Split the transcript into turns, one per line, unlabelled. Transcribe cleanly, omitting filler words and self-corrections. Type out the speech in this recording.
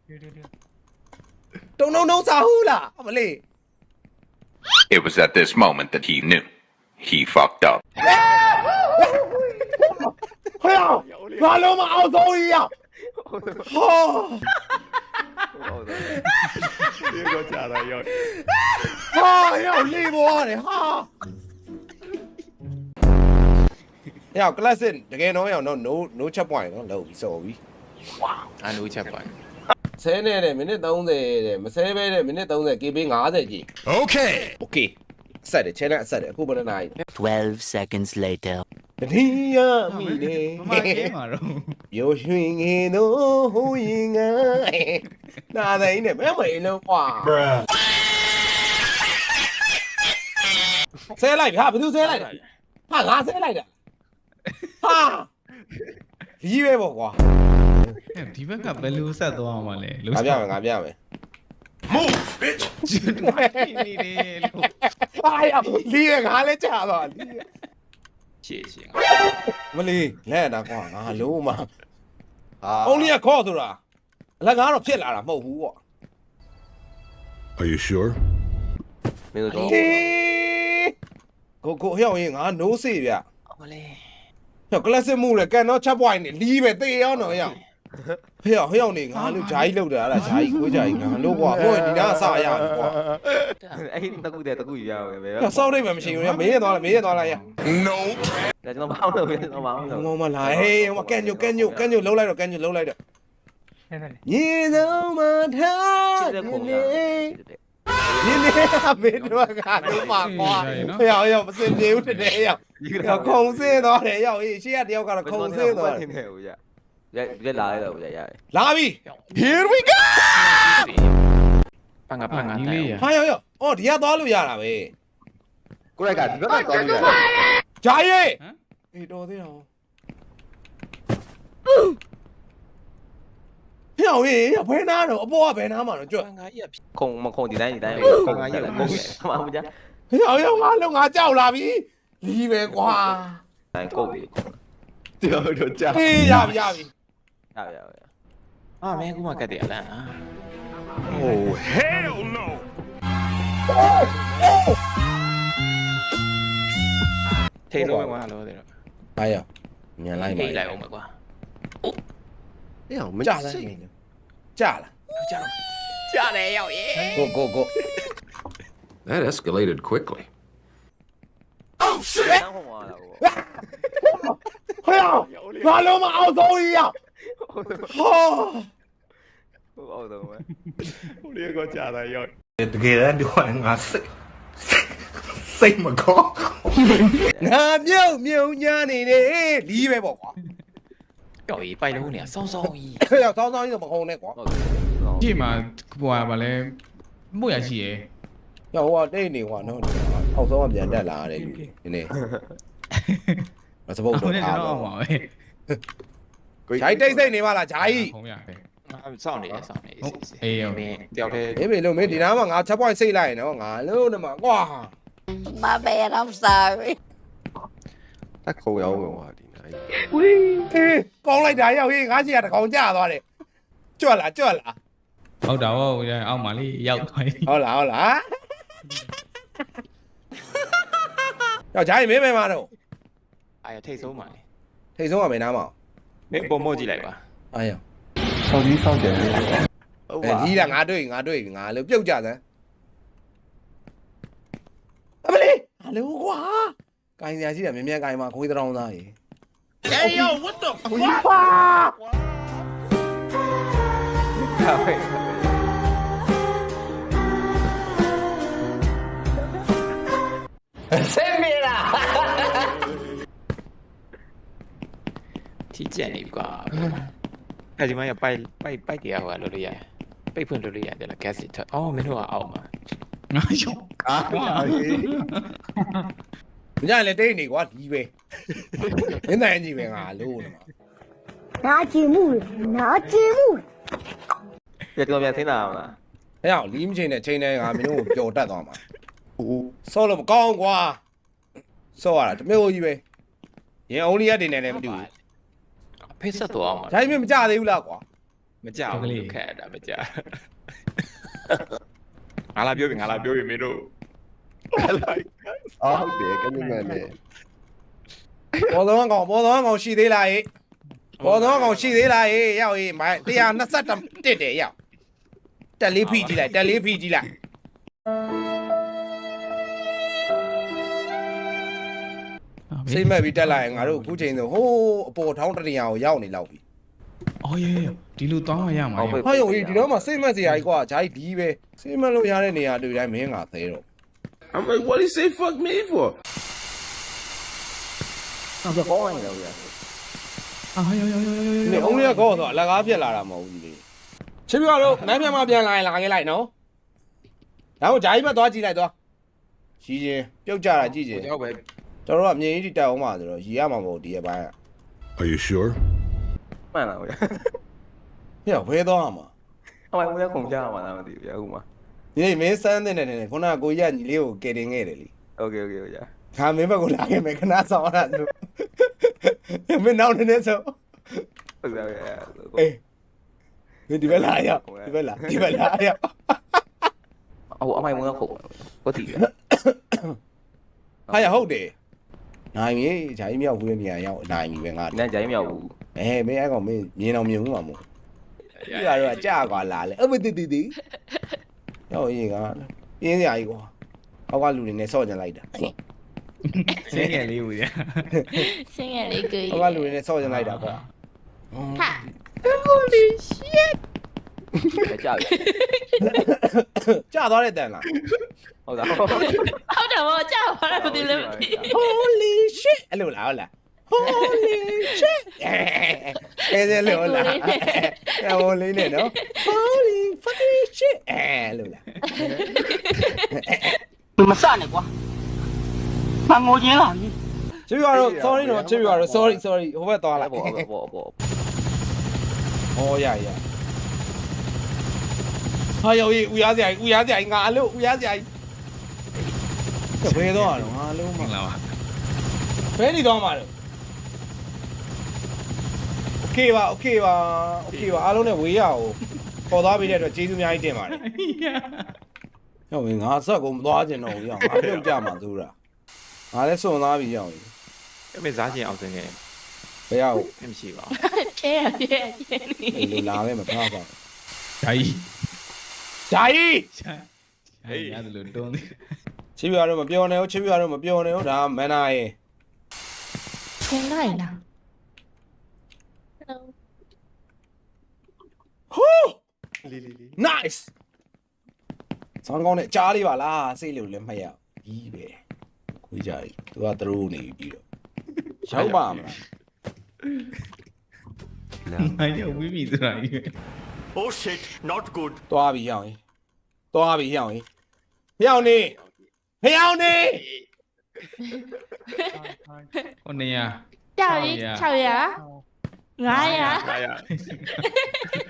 Don't sa hula. Amali.
It was at this moment that he knew. He fucked up.
Hiya. Malo ma ao so ya. Ha.
Đi có trả lời rồi.
Ha, ya li bo ne. Ha. Ya class in. Again no chat point no low so bi.
Wow. Anh nuôi chập vậy.
10နဲ့မိနစ်30တဲ့မဆဲပဲတဲ့မိနစ်30 KB 50ကြီး
Okay.
Okay ဆက်တယ် channel ဆက်တယ်အခုဘယ်နှနာရီ
12 seconds later.
တတိယမိနေ
မမကဲမှာတော့
ရိုးရွှင်ငင်တို့ဟိုရင်ငါနာတိုင်းနဲ့မဲမင်းလုံးကွာဆဲလိုက်ဟာဘယ်သူဆဲလိုက်တာဟာငါဆဲလိုက်တာဟာကြီးပဲပေါ့ကွာ
ဒီဘက်ကဘယ်လိုဆက်သွားမှာလဲ
ငါပြမယ်ငါပြမယ်
Move, bitch!
နေတယ်လို့
ဟာရလီးရငါလည်းကြာသွားလီး
谢谢。
မလီလဲတာကွာငါလုံးမအုံးလေးကခေါ်ဆိုတာအလကားတော့ဖြစ်လာတာမဟုတ်ဘူးပေါ့
Are you sure?
ကိုဟဲ့ရင်ငါ no စေဗျ
我嘞。
ဟဲ့ classic မှုလေကန်တော့ချက်ပွိုင်းနေလီးပဲတေးရောတော့ဟဲ့ဟဲ့နေငါလို့ဂျာကြီးလောက်တာအဲ့ဒါဂျာကြီးကိုဂျာကြီးငါလို့ကွာဟိုဒီနားအစရပြီကွာ
အဲ့တကူတဲ့တကူရပဲပဲ
ဟဲ့စောက်နေမှမရှိဘူးညမေးရသွားလိုက်ရ
No!
ဒါကျွန်တော်မအောင်လို့ကျွန်တော်မအောင်လို့
ငုံမလာဟေးဟိုကန်ညိုလှုပ်လိုက်တော့ညေဆုံးမထားနေနေမေးတော့ကတော့မှာကွာဟဲ့မစင်ပြေဘူးတဲ့ဟဲ့ခုံစင်းသွားတယ်ဟဲ့ရှေ့ကတယောက်ကတော့ခုံစင်းသွားတယ်
ဟိုရလာရတော့ရ
လာပြီ here we go
半个半个。
ဟာအော်ဒီကသွားလို့ရတာပဲ
ကိုရိုက်ကဒီဘက်ကတော့လို့ရတယ်
ဂျာကြီးအေးတော်သေးတော့ဟဲ့ဘယ်နာတော့အပေါ်ကဘယ်နာမှာတော့ကြွ
半个也皮。
ခုံဒီတိုင်းခုံကရလာခုံမအောင်ကြ
ဟဲ့ငါလုံးငါကြောက်လာပြီလီးပဲကွာ
တိုင်းကုတ်ပြီ
ပြောတော့ကြာ
အေးရပြီ
ရ
啊，没给我干点了啊。
Oh, hell no!
退路没关了，对了。
အားရမြန်လိုက်ပါ
没来我们瓜。
အေးအောင်မ
ကြာ
ကြ
လား
စိတ်
ကြာလား
下来要耶。
ကို
That escalated quickly.
တန်းခုံသွားတာဟို
ဟဲ့ငါလုံးမအောင်ဆုံးကြီးရဟော
အောက်တော့ပဲ
ဟိုလေးကကြာတာရောက်
တကယ်တမ်းပြောရင်ငါစိတ်မကော
ငါမြုံညာနေနေလီးပဲပေါ့ကွာ
要一拜六呢，双双一。
ဟဲ့ဆောင်းဆောင်းကြီးတော့မခုံနဲ့ကွာ
ကြည့်မှာဟိုပါလဲမှုရရှိရယ်
ဟိုကတိတ်နေကွာနော်အောက်ဆုံးကပြန်တက်လာရတယ်လူဒီနေ့မစပုတ်
အော
တော့
က်နဲ့
အား
ကျွန်တော်
တော့
အောင်ပါပဲ
ဂျိုင်းတိတ်စိတ်နေပါလားဂျိုင်း
ခုံရပဲ
上你，上你。
哎呦
没掉开。
မေးလို့မေးဒီနားမှာငါချက်ပွိုင်းစိတ်လိုက်နော်ငါလုံးနဲ့မှာကွာ
Ba bè không sợ.
တက်ခုံရောက်ဝင်သွားဒီနိုင်
ဝီးကောင်းလိုက်တာရောက်ဟေးငါစီကတကောင်ကြသွားတယ်ကြွက်လား
ဟုတ်တာဟုတ်ရအောက်မှာလေးရောက်သွားပြီ
ဟုတ်လားယောက်ဂျိုင်းမင်းမဲမှာတော့
哎呀，退休嘛。
ထိတ်ဆုံးကမင်းနားမှာ
没拨墨迹来吧？
အားရ
ဟုတ်
အဲ
ပါ
ကြီးလားငါတွေ့ငါလို့ပြုတ်ကြစမ်းအမလေးဟာလို့ကွာကိုင်စရာရှိတာမြင်ကိုင်မှာခွေးတောင်းသားရေ
Hey yo, what the fuck?
体检你瓜。那就嘛要拜几下话罗里亚，拜喷罗里亚的了，gas 它哦，没多少嘛。
ငါရောက်
မကြလေတိတ်နေကွာဒီပဲမင်းတိုင်းကြီးပဲငါလို့နေမှာ
拿积木，拿积木。
ပြကျွန်တော်ပြန်ဆင်းလာအောင်လား
ဟဲ့အောင်လီးမချင်းနဲ့ချိန်နဲ့ငါမင်းတို့ကိုပျော်တတ်သွားမှာဆော့လို့မကောင်းကွာဆော့ရတာတမျိုးကြီးပဲရင်အုံးလေးရတင်နေလည်းမတူဘူး
配色多嘛？
ဂျိုင်းမင်းမကြသေးဘူးလားကွာ
မကြောက်ဘူးခက်တာမကြောက်ငါလာပြောပြီမင်းတို့
အော်ဟုတ်တယ်ကဲမြန်လေပေါ်တော့ကောင်ရှိသေးလားဟေ့ပေါ်တော့ကောင်ရှိသေးလားဟေ့ရောက်ဟေ့မိုင်း121တက်တယ်ရောက်တက်လေးဖိကြည့်လိုက်စိတ်မဲ့ပြီးတက်လာရင်ငါတို့အခုချိန်ဆိုဟိုးအပေါ်ထောင်းတရံကိုရောက်နေလောက်ပြီ
အော်ရေဒီလိုတောင်းရမှာ
ဟာယုံကြီးဒီတော့မှစိတ်မဲ့စရာကြီးကွာဂျာကြီးဒီပဲစိတ်မဲ့လို့ရတဲ့နေရာတွေ့တိုင်းမင်းငါသဲတော့
I'm like, what do you say fuck me for?
အော်ကောင်းနေတယ်ဗျာ
အာယော
နေအုံးလေးကောဆိုအလကားပြက်လာတာမဟုတ်ဘူးလေချစ်ပြတော့နန်းပြန်မှပြန်လာရင်လာခဲ့လိုက်နော်ဒါမှဂျာကြီးဘက်သွားကြည့်လိုက်သွားရှိချင်းပြုတ်ကြတာကြည့်ချင်း
ကြောက်ပဲ
တော်တော်အမြင်ကြီးတက်အောင်ပါဆိုတော့ရီရမှာမဟုတ်ဒီရဲ့ဘိုင်းက
Are you sure?
မှန်လားဗျာ
ညဘဲသွားမှာ
အမိုင်ဦးလည်းခုန်ကြမှာလားမသိဘူးဗျာဟုတ်မှာ
ဒီနေ့မင်းစမ်းတဲ့နေခုနကကိုရက်ညီလေးကိုကယ်တင်ခဲ့တယ်လी
โอเคဗျာ
ခါမင်းဘက်ကိုလာခဲ့မယ်ခဏဆောင်ရတာသူမင်းနောက်နေဆို
ဟုတ်တယ်ဗျာ
အေးမင်းဒီဘက်လာရောက်ဒီဘက်လာရောက်
အော်အမိုင်ဦးလည်းခုန်ဟုတ်တယ်ဗျာ
ဟာရဟုတ်တယ်နိုင်ပြီဂျာကြီးမြောက်ဘူးတဲ့နေရာရောက်နိုင်ပြီပဲငါ
နန်းကြိုင်းမြောက်ဘူး
မင်းအဲ့ကောင်မင်းမြင်အောင်မြင်ဘူးမှာမို့ဒီကတော့ကြာကွာလာလေအမတီရောက်ရင်ကပြင်းစရာကြီးကွာအောက်ကလူတွေနဲ့ဆော့ကြလိုက်တာ
ဆင်းငယ်လေးဦးရ
ဆင်းရဲလေးကို
အောက်ကလူတွေနဲ့ဆော့ကြလိုက်တာကွာ
ဟာ Holy shit
ကြာပြီ
ကြာသွားတဲ့တန်လား
ဟုတ်တာ
ဟုတ်တယ်ဗောကြောက်ပါလားမသိလို့
Holy shit အဲ့လိုလားဟုတ်လား Holy shit အဲ့လိုလားဟိုလေးနဲ့နော် Holy fucking shit အဲ့လိုလား
မစနဲ့ကွာမငိုချင်းလာပြီ
ချစ်ပြတော့ sorry နော်ချစ်ပြတော့ sorry ဟိုဘက်သွားလိုက်
ဘော
ဟောရဟာယောကြီးဦးရစရာကြီးငါအလို့ဦးရစရာကြီးဘယ်တော့ငါအလို့မ
လာပါ
ဘယ်နေတော့မှာလဲโอเคပါအားလုံးနဲ့ဝေးရအောင်ပေါ်သွားပြီးတဲ့အတွက်ကျေးဇူးအများကြီးတင်ပါတယ်ဟုတ်ပြီငါဆက်ကိုမသွားကျင်တော့ဘူးရအောင်ငါပြုတ်ကြမှာသူတာငါလည်းစွန့်သွားပြီရအောင်
အမေစားချင်အောင်စင်ခဲ့
ဘယ်ရောက်
မရှိပါ
ပြဲ
လူလာပဲမဖားပါ
ဂျာကြီး
ဂျာကြီး
ဟေးရတယ်လို့တွန်းသေး
ချစ်ပြတော့မပြောနဲ့ဟုတ်ဒါမန်နာရေ
ဆင်းလိုက်လား
ဟိုး nice ဆောင်းကောင်းနဲ့ကြားလေးပါလားစိတ်လို့လည်းမှတ်ရကြီးပဲခွေးကြကြီးသူကသရိုးနေပြီးတော့ရောက်ပါမလား
နိုင်ရဝီးပြီဆိုတာကြီး
Oh shit not good
သွားပြီရောက်ရင်ဟျောင်းနေ
ဟိုနေရ
ကြောက်ရင်600 900